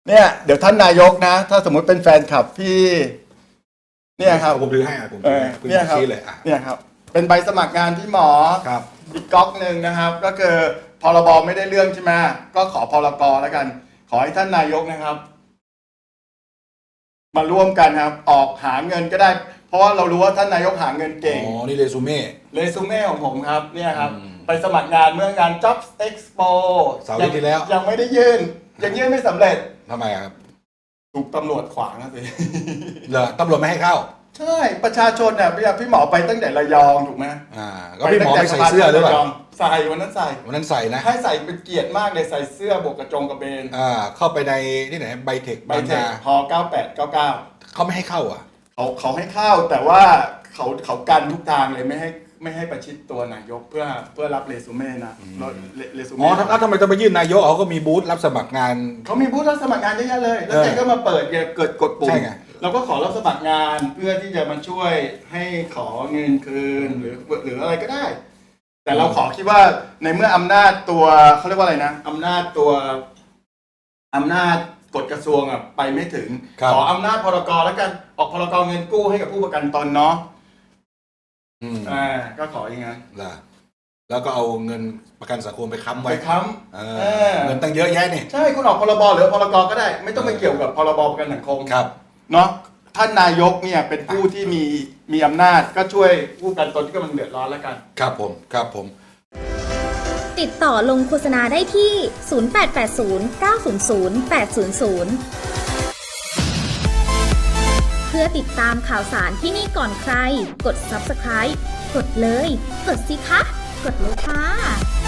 เนี่ยเดี๋ยวท่านนายกนะ ถ้าสมมุติเป็นแฟนคลับพี่เนี่ยครับผมถือให้ผมถือให้คุณเนี่ยครับชี้เลยเนี่ยครับเป็นใบสมัครงานพี่หมอครับอีกก๊อกหนึ่งนะครับ ก็คือพรบไม่ได้เรื่องใช่ไหมก็ขอพรกแล้วกัน ขอให้ท่านนายกนะครับ มาร่วมกันครับ ออกหาเงินก็ได้ เพราะว่าเรารู้ว่าท่านนายกหาเงินเก่งอ๋อนี่เรซูเม่เรซูเม่ของผมครับเนี่ยครับอืมไปสมัครงานเมื่องาน Jobs Expo เสาร์อาทิตย์ที่แล้วยังไม่ได้ยื่นยังยื่นไม่สำเร็จทำไมครับถูกตำรวจขวางนะสิเหรอตำรวจไม่ให้เข้าใช่ประชาชนเนี่ยพี่หมอไปตั้งแต่ระยองถูกไหมก็พี่หมอไม่ใส่เสื้อหรือเปล่าใส่วันนั้นใส่วันนั้นใส่นะให้ใส่เป็นเกียรติมากเลยใส่เสื้อบวกกระจงกระเบนเข้าไปในที่ไหนไบเทคใบเทคพ9899 เขาไม่ให้เข้าอ่ะเขาให้เข้าแต่ว่าเขากันทุกทางเลยไม่ให้ประชิดตัวนายกเพื่อรับเรซูเม่นะเรซูอ๋อเม่แล้วทำไมต้องไปยื่นนายกเขาก็มีบูธรับสมัครงานเขามีผู้รับสมัครงานเยอะแยะเลย แล้วแกก็มาเปิดเกิดกดปุ่มใช่ไงเราก็ขอรับสมัครงานเพื่อที่จะมาช่วยให้ขอเงินคืนหรืออะไรก็ได้ แต่เราขอคิดว่าในเมื่ออำนาจตัวเขาเรียกว่าอะไรนะอำนาจกฎกระทรวงอ่ะไปไม่ถึง ขออำนาจพรกแล้วกันออกพรกเงินกู้ให้กับผู้ประกันตนเนาะก็ขออย่างนั้นล่ะแล้วก็เอาเงินประกันสังคมไปค้ำไปไว้ค้ำเงินตั้งเยอะแยะนี่ใช่คุณออกพรบหรือพรกก็ได้ ไม่ต้องไปเกี่ยวกับพรบประกันสังคมครับเนาะท่านนายกเนี่ยเป็นผู้ที่มีอำนาจก็ช่วยผู้ประกันตนที่กำลังเดือดร้อนแล้วกันครับผมติดต่อลงโฆษณาได้ที่ 0880 900 800 เพื่อติดตามข่าวสารที่นี่ก่อนใคร กด Subscribe กดเลย กดสิคะ กดเลยค่ะ